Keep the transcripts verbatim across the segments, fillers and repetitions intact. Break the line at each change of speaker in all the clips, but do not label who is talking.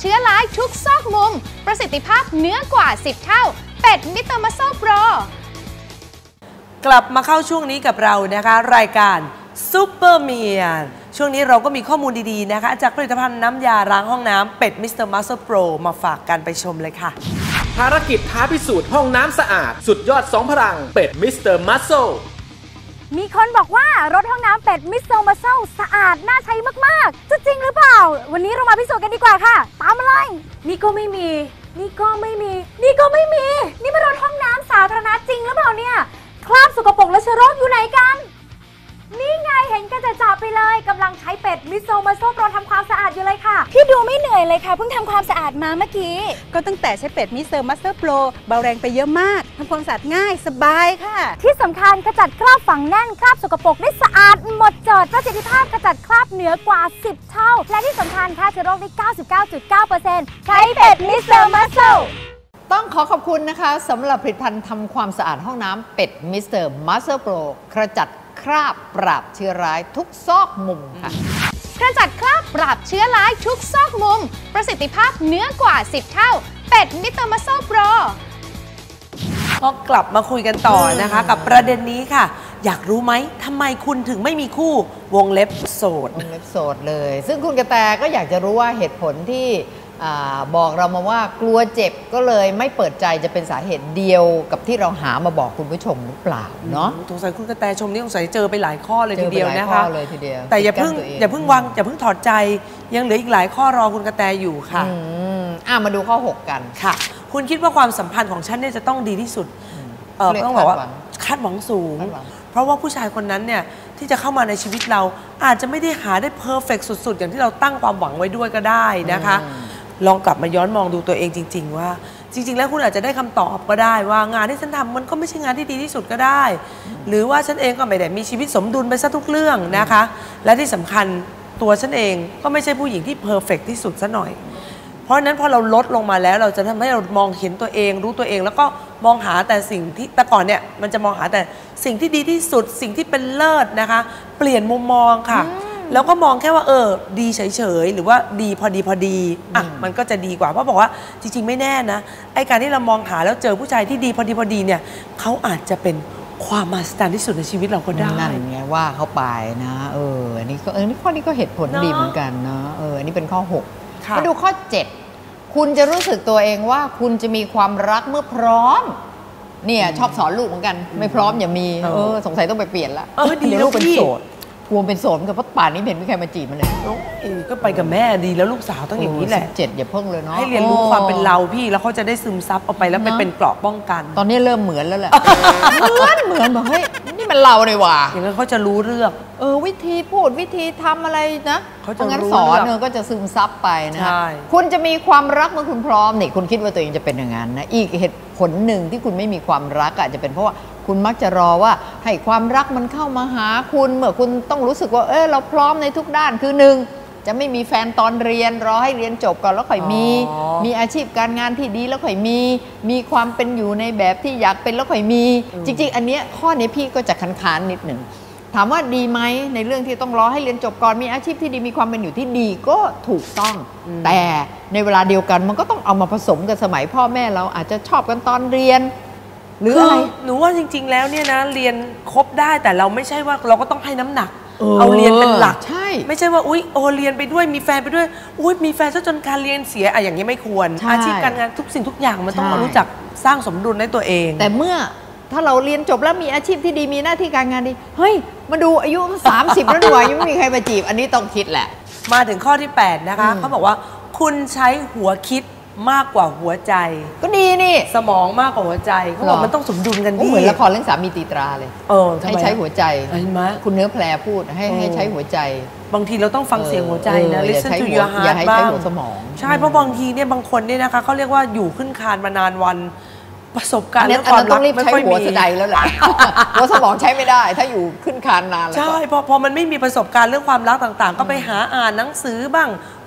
เชื้อร้ายทุกซอกมุมประสิทธิภาพเหนือกว่าสิบเท่าเป็ดมิสเตอร์มัสเซิลโปร
กลับมาเข้าช่วงนี้กับเรานะคะรายการซูเปอร์เมียนช่วงนี้เราก็มีข้อมูลดีๆนะคะจากผลิตภัณฑ์น้ำยาล้างห้องน้ำเป็ดมิสเตอร์มัสเซิลโปรมาฝากกันไปชมเลยค่ะ
ภารกิจท้าพิสูจน์ห้องน้ำสะอาดสุดยอดสองพลังเป็ดมิสเตอร์มัสเซิล
มีคนบอกว่ารถห้องน้ำเป็ดมิสเตอร์มัสเซิลสะอาดน่าใช้มากๆจะจริงหรือเปล่าวันนี้เรามาพิสูจน์กันดีกว่าค่ะตามมาเลยนี่ก็ไม่มีนี่ก็ไม่มีนี่ก็ไม่มีนี่มันรถห้องน้ำสาธารณะจริงหรือเปล่าเนี่ยคราบสกปรกและเชื้อโรคอยู่ไหนกันนี่ไงเห็นกันจะจับไปเลยกำลังใช้เป็ดมิสเตอร์มัสเซิลโปรทำความสะอาดอยู่เลยค่ะพี่ดูไม่เหนื่อยเลยค่ะเพิ่งทำความสะอาดมาเมื่อกี้
ก็ตั้งแต่ใช้เป็ดมิสเตอร์มัสเซิลโปรเบาแรงไปเยอะมากทำความสะอาดง่ายสบายค่ะ
ที่สำคัญขจัดคราบฝังแน่นคราบสกปรกได้สะอาดหมดจดประสิทธิภาพขจัดคราบเหนือกว่าสิบเท่าและที่สำคัญฆ่าเชื้อโรคได้ เก้าสิบเก้าจุดเก้าเปอร์เซ็นต์ ใช้เป็ดมิสเตอร์มัสเซิล
ต้องขอขอบคุณนะคะสำหรับผลิตภัณฑ์ทำความสะอาดห้องน้ำเป็ดมิสเตอร์มัสเซิลโปรขจัดคราบปราบเชื้อร้ายทุกซอกมุมค่ะ
กระจัดคราบปราบเชื้อร้ายทุกซอกมุมประสิทธิภาพเหนือกว่าสิบเท่าเป็ดมิสเตอร์มัสเซิลโปร
ก็กลับมาคุยกันต่อนะคะกับประเด็นนี้ค่ะอยากรู้ไหมทำไมคุณถึงไม่มีคู่วงเล็บโสด
วงเล็บโสดเลยซึ่งคุณกระแตก็อยากจะรู้ว่าเหตุผลที่บอกเรามาว่ากลัวเจ็บก็เลยไม่เปิดใจจะเป็นสาเหตุเดียวกับที่เราหามาบอกคุณผู้ชมหรือเปล่าเนาะ
สงสัยคุณกระแตชมนี่สงสัยเจอไปหลายข้อเลยทีเดียวนะคะ
เลยทีเดียว
แต่อย่าเพิ่งอย่าเพิ่งวางอย่าเพิ่งถอดใจยังเหลืออีกหลายข้อรอคุณกระแตอยู่ค่ะ
อ่ามาดูข้อหกกัน
ค่ะคุณคิดว่าความสัมพันธ์ของฉันเนี่ยจะต้องดีที่สุดเออต้องบอกว่าคาดหวังสูงเพราะว่าผู้ชายคนนั้นเนี่ยที่จะเข้ามาในชีวิตเราอาจจะไม่ได้หาได้เพอร์เฟกต์สุดๆอย่างที่เราตั้งความหวังไว้ด้วยก็ได้นะคะลองกลับมาย้อนมองดูตัวเองจริงๆว่าจริงๆแล้วคุณอาจจะได้คำตอบก็ได้ว่างานที่ฉันทำมันก็ไม่ใช่งานที่ดีที่สุดก็ได้หรือว่าฉันเองก็ไม่ได้มีชีวิตสมดุลไปซะทุกเรื่องนะคะและที่สำคัญตัวฉันเองก็ไม่ใช่ผู้หญิงที่เพอร์เฟกต์ที่สุดซะหน่อยเพราะฉะนั้นพอเราลดลงมาแล้วเราจะทำให้เรามองเห็นตัวเองรู้ตัวเองแล้วก็มองหาแต่สิ่งที่แต่ก่อนเนี่ยมันจะมองหาแต่สิ่งที่ดีที่สุดสิ่งที่เป็นเลิศนะคะเปลี่ยนมุมมองค่ะแล้วก็มองแค่ว่าเออดีเฉยๆหรือว่าดีพอดีพอดีอ่ะมันก็จะดีกว่าเพราะบอกว่าจริงๆไม่แน่นะไอ้การที่เรามองหาแล้วเจอผู้ชายที่ดีพอดีพอดีเนี่ยเขาอาจจะเป็นความมหัศจรรย์ที่สุดในชีวิตเราก็ได้
นั่นไงว่าเขาไปนะเอออันนี้ก็เออนี่ข้อนี้ก็เหตุผลดีเหมือนกันเนาะเอออันนี้เป็นข้อหกมาดูข้อเจ็ดคุณจะรู้สึกตัวเองว่าคุณจะมีความรักเมื่อพร้อมเนี่ยชอบสอนลูกเหมือนกันไม่พร้อมอย่ามีเออสงสัยต้องไปเปลี่ยนละเดี๋ยวลูกเป็นโสดกลัวเป็นโสดกับเพราะป่านนี้เห็นไม่ใครมาจีบมันเลย
ก็ไปกับแม่ดีแล้วลูกสาวต้องอย่างนี้แหละ
เจ็ดอย่าเพิ่งเลยเนาะ
ให้เรียนรู้ความเป็นเราพี่แล้วเขาจะได้ซึมซับเอาไปแล้วไปเป็นเกราะป้องกัน
ตอนนี้เริ่มเหมือนแล้วแหละเหมือนเหมือนบอกเฮ้ยนี่มันเราเลยว่ะ
อย่างนั้นเขาจะรู้เรื่อง
เออวิธีพูดวิธีทำอะไรนะเขาจะรู้สอนเนอก็จะซึมซับไปนะคุณจะมีความรักเมื่อคุณพร้อมนี่คุณคิดว่าตัวเองจะเป็นอย่างนั้นนะอีกเหตุผลหนึ่งที่คุณไม่มีความรักอาจจะเป็นเพราะว่าคุณมักจะรอว่าให้ความรักมันเข้ามาหาคุณเมื่อคุณต้องรู้สึกว่าเออเราพร้อมในทุกด้านคือหนึ่งจะไม่มีแฟนตอนเรียนรอให้เรียนจบก่อนแล้วค่อยมีมีอาชีพการงานที่ดีแล้วค่อยมีมีความเป็นอยู่ในแบบที่อยากเป็นแล้วค่อยมีจริงๆอันเนี้ยข้อนี้พี่ก็จะค้านๆนิดหนึ่งถามว่าดีไหมในเรื่องที่ต้องรอให้เรียนจบก่อนมีอาชีพที่ดีมีความเป็นอยู่ที่ดีก็ถูกต้องแต่ในเวลาเดียวกันมันก็ต้องเอามาผสมกันสมัยพ่อแม่เราอาจจะชอบกันตอนเรียนหรืออะไร
หนูว่าจริงๆแล้วเนี่ยนะเรียนครบได้แต่เราไม่ใช่ว่าเราก็ต้องให้น้ำหนักเอาเรียนเป็นหลัก
ใช่
ไม่ใช่ว่าอุ๊ยโอเรียนไปด้วยมีแฟนไปด้วยอุ๊ยมีแฟนซะจนการเรียนเสียอะอย่างนี้ไม่ควรอาชีพการงานทุกสิ่งทุกอย่างมันต้องมารู้จักสร้างสมดุลในตัวเอง
แต่เมื่อถ้าเราเรียนจบแล้วมีอาชีพที่ดีมีหน้าที่การงานดีเฮ้ยมาดูอายุสามสิบแล้วดีกว่ายังไม่มีใครมาจีบอันนี้ต้องคิดแหละ
มาถึงข้อที่แปดนะคะเขาบอกว่าคุณใช้หัวคิดมากกว่าหัวใจ
ก็ดีนี่
สมองมากกว่าหัวใจเขาบอกมันต้องสมดุลกันดี
เหมือนละครเรื่องสามีตีตราเลย
เออ
ให้ใช้หัวใจ
เห็นไหม
คุณเนื้อแพรพูดให้ให้ใช้หัวใจ
บางทีเราต้องฟังเสียงหัวใจนะ listen to your heart
อย่าให้ใช้หัวสมอง
ใช่เพราะบางทีเนี่ยบางคนเนี่ยนะคะเขาเรียกว่าอยู่ขึ้นคานมานานวันประสบการณ์เรื่องความรัก
ไม่ค่อยมีหัวใจแล้วแหละหัวสมองใช้ไม่ได้ถ้าอยู่ขึ้นคานนานแล้ว
ใช่พอพอมันไม่มีประสบการณ์เรื่องความรักต่างๆก็ไปหาอ่านหนังสือบ้าง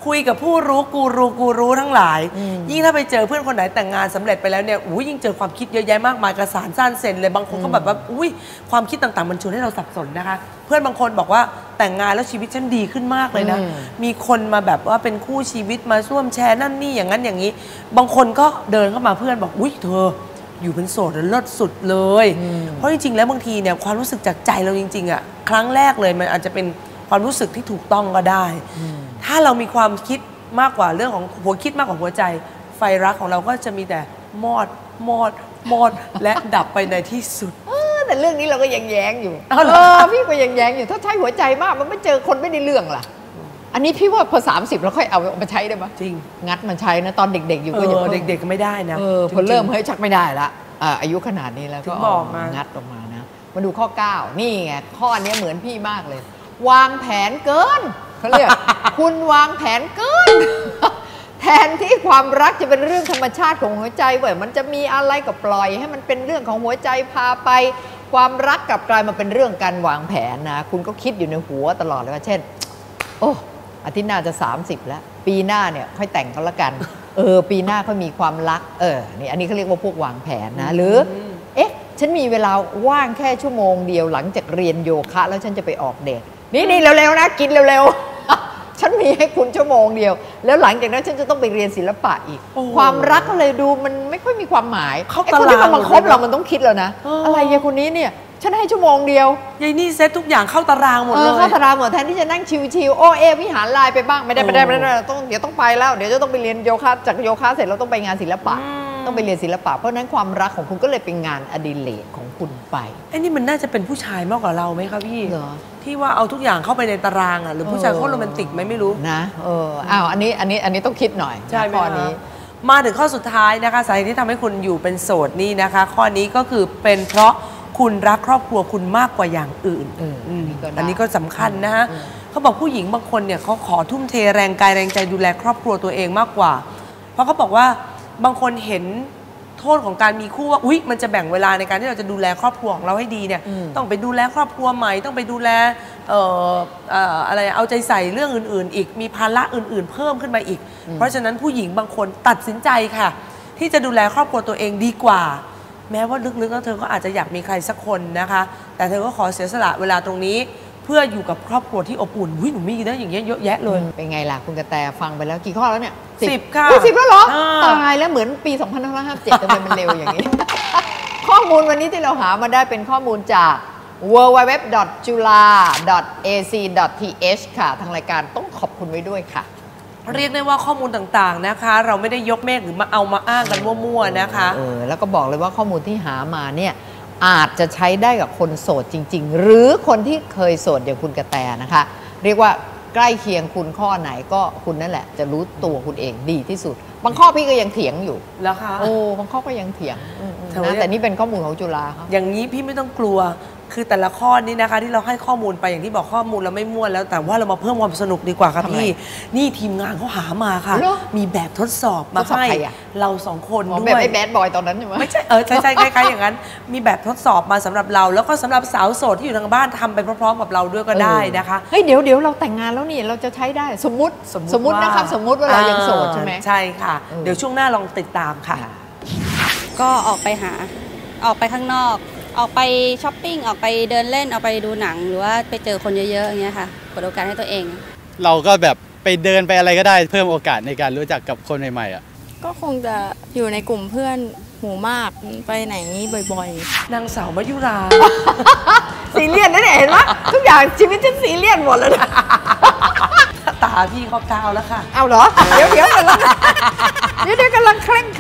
คุยกับผู้รู้กูรูกูรู้ทั้งหลายยิ่งถ้าไปเจอเพื่อนคนไหนแต่งงานสำเร็จไปแล้วเนี่ยอุ้ยยิ่งเจอความคิดเยอะแยะมากมายกระสานสั้นเซนเลยบางคนก็แบบว่าอุ้ยความคิดต่างๆมันชวนให้เราสับสนนะคะเพื่อนบางคนบอกว่าแต่งงานแล้วชีวิตฉันดีขึ้นมากเลยนะมีคนมาแบบว่าเป็นคู่ชีวิตมาร่วมแชร์นั่นนี่อย่างนั้นอย่างนี้บางคนก็เดินเข้ามาเพื่อนบอกอุ้ยเธออยู่เป็นโสดแล้วเลิศสุดเลยเพราะจริงๆแล้วบางทีเนี่ยความรู้สึกจากใจเราจริงๆอ่ะครั้งแรกเลยมันอาจจะเป็นความรู้สึกที่ถูกต้องก็ได้ถ้าเรามีความคิดมากกว่าเรื่องของหัวคิดมากกว่าหัวใจไฟรักของเราก็จะมีแต่มอดมอดมอดและดับไปในที่สุด
แต่เรื่องนี้เราก็ยังแย้งอยู่เออพี่ก็ยังแย้งอยู่ถ้าใช้หัวใจมากมันไม่เจอคนไม่ได้เรื่องล่ะอันนี้พี่ว่าพอสามสิบแล้วค่อยเอามาใช้ได้ไหม
จริง
งัดมันใช้นะตอนเด็กๆอยู่ก็
ยังเด็กๆก็ไม่ได้นะ
เออพอเริ่มเฮ้ยชักไม่ได้ละอายุขนาดนี้แล้วก็งัดออกมานะมาดูข้อเก้านี่ไงข้อนี้เหมือนพี่มากเลยวางแผนเกินเขาเรียก คุณวางแผนเกิน แทนที่ความรักจะเป็นเรื่องธรรมชาติของหัวใจเว้ยมันจะมีอะไรก็ปล่อยให้มันเป็นเรื่องของหัวใจพาไปความรักกลับกลายมาเป็นเรื่องการวางแผนนะคุณก็คิดอยู่ในหัวตลอดเลยว่าเช่นโอ้อาทิตย์หน้าจะสามสิบแล้วปีหน้าเนี่ยค่อยแต่งกันละกันเออปีหน้าค่อยมีความรักเออนี่อันนี้เขาเรียกว่าพวกวางแผนนะหรือเอ๊ะฉันมีเวลาว่างแค่ชั่วโมงเดียวหลังจากเรียนโยคะแล้วฉันจะไปออกเดทนี่นี่เร็วๆนะกินเร็วๆฉันมีให้คุณชั่วโมงเดียวแล้วหลังจากนั้นฉันจะต้องไปเรียนศิลปะอีกความรักก็เลยดูมันไม่ค่อยมีความหมายไอ้คนที่มันมาคบเรามันต้องคิดแล้วนะอะไรยายคนนี้เนี่ยฉันให้ชั่วโมงเดียวย
ายนี่เซ็ตทุกอย่างเข้าตารางหมดเลย
เข้าตารางหมดแทนที่จะนั่งชิวๆโอเอวิหารลายไปบ้างไม่ได้ไม่ได้ไม่ได้ต้องเดี๋ยวต้องไปแล้วเดี๋ยวจะต้องไปเรียนโยคะจากโยคะเสร็จเราต้องไปงานศิลปะต้องไปเรียนศิลปะเพราะนั้นความรักของคุณก็เลยเป็นงานอดิเรกของคุณไป
ไอ้นี่มันน่าจะเป็นผู้ชายมากกว่าเราไหมครับพี่ที่ว่าเอาทุกอย่างเข้าไปในตารางอ่ะหรือผู้ชายเขาโรแมนติกไหมไม่รู้
นะเอออ้าวอันนี้อันนี้อันนี้ต้องคิดหน่อย
ใช่ไหม
ข้อนี้
มาถึงข้อสุดท้ายนะคะสาเหตุที่ทำให้คุณอยู่เป็นโสดนี่นะคะข้อนี้ก็คือเป็นเพราะคุณรักครอบครัวคุณมากกว่าอย่างอื่นอันนี้ก็สำคัญนะฮะเขาบอกผู้หญิงบางคนเนี่ยเขาขอทุ่มเทแรงกายแรงใจดูแลครอบครัวตัวเองมากกว่าเพราะเขาบอกว่าบางคนเห็นโทษของการมีคู่ว่าอุ๊ยมันจะแบ่งเวลาในการที่เราจะดูแลครอบครัวของเราให้ดีเนี่ยต้องไปดูแลครอบครัวใหม่ต้องไปดูแลเอ่อเอ่ออะไรเอาใจใส่เรื่องอื่นๆอีกมีภาระอื่นๆเพิ่มขึ้นมาอีกเพราะฉะนั้นผู้หญิงบางคนตัดสินใจค่ะที่จะดูแลครอบครัวตัวเองดีกว่าแม้ว่าลึกๆแล้วเธอก็อาจจะอยากมีใครสักคนนะคะแต่เธอก็ขอเสียสละเวลาตรงนี้เพื่ออยู่กับครอบครัวที่อบอุ่นวิหนูมีนะอย่างเงี้ยเยอะแยะเลย
เป็นไงล่ะคุณกระแตฟังไปแล้วกี่ข้อแล้วเนี่ย
สิบค่ะ
สิบแล้วเหรอตายแล้วเหมือนปีสองพันห้าร้อยห้าสิบเจ็ดทำไมมันเร็วอย่างนี้ ข้อมูลวันนี้ที่เราหามาได้เป็นข้อมูลจาก ดับเบิลยู ดับเบิลยู ดับเบิลยู ดอท จุฬา ดอท เอ ซี ดอท ที เอช ค่ะทางรายการต้องขอบคุณไว้ด้วยค่ะ
เรียกได้ว่าข้อมูลต่างๆนะคะเราไม่ได้ยกเมฆหรือมาเอามาอ้างกันมั่วๆนะคะ
เออแล้วก็บอกเลยว่าข้อมูลที่หามาเนี่ยอาจจะใช้ได้กับคนโสดจริงๆหรือคนที่เคยโสดอย่างคุณกระแตนะคะเรียกว่าใกล้เคียงคุณข้อไหนก็คุณนั่นแหละจะรู้ตัวคุณเองดีที่สุดบางข้อพี่ก็ยังเถียงอยู่
แล้วค่ะ
โอ้บางข้อก็ยังเถียงนะแต่นี่เป็นข้อมูลของจุฬาครับ
อย่างนี้พี่ไม่ต้องกลัวคือแต่ละข้อนี้นะคะที่เราให้ข้อมูลไปอย่างที่บอกข้อมูลเราไม่มั่วแล้วแต่ว่าเรามาเพิ่มความสนุกดีกว่าครับพี่นี่ทีมงานเขาหามาค่ะมีแบบทดสอบมาให้เราสองคนด้วย
แบบไอ้แบดบอยตอนนั้นใช่ไหม
ไม่ใช่เออใช่ใช่คล้ายๆอย่างนั้นมีแบบทดสอบมาสำหรับเราแล้วก็สำหรับสาวโสดที่อยู่ทางบ้านทำไปพร้อมๆกับเราด้วยก็ได้นะคะ
เฮ้ยเดี๋ยวเดี๋ยวเราแต่งงานแล้วนี่เราจะใช้ได้สมมุติสมมุตินะครับสมมุติว่าเรายังโสดใช่ไหม
ใช่ค่ะเดี๋ยวช่วงหน้าลองติดตามค่ะ
ก็ออกไปหาออกไปข้างนอกออกไปช้อปปิ้งออกไปเดินเล่นออกไปดูหนังหรือว่าไปเจอคนเยอะๆอย่างเงี้ยค่ะเปิดโอกาสให้ตัวเอง
เราก็แบบไปเดินไปอะไรก็ได้เพิ่มโอกาสในการรู้จักกับคนใหม่ๆอ่ะ
ก็คงจะอยู่ในกลุ่มเพื่อนหมู่มากไปไหนบ่อย
ๆนางสาวมายุรา
ซีเรียสนะเนี่ยเห็นไหมทุกอย่างชีวิตฉันซีเรียสหมดเลยนะ
ตาพี่เขาก้าวแล้วค่ะ
เอาเหรอเดี๋ยวเดี๋ยวกำลังเดี๋ยวเดี๋ยวกำลังเคร่ง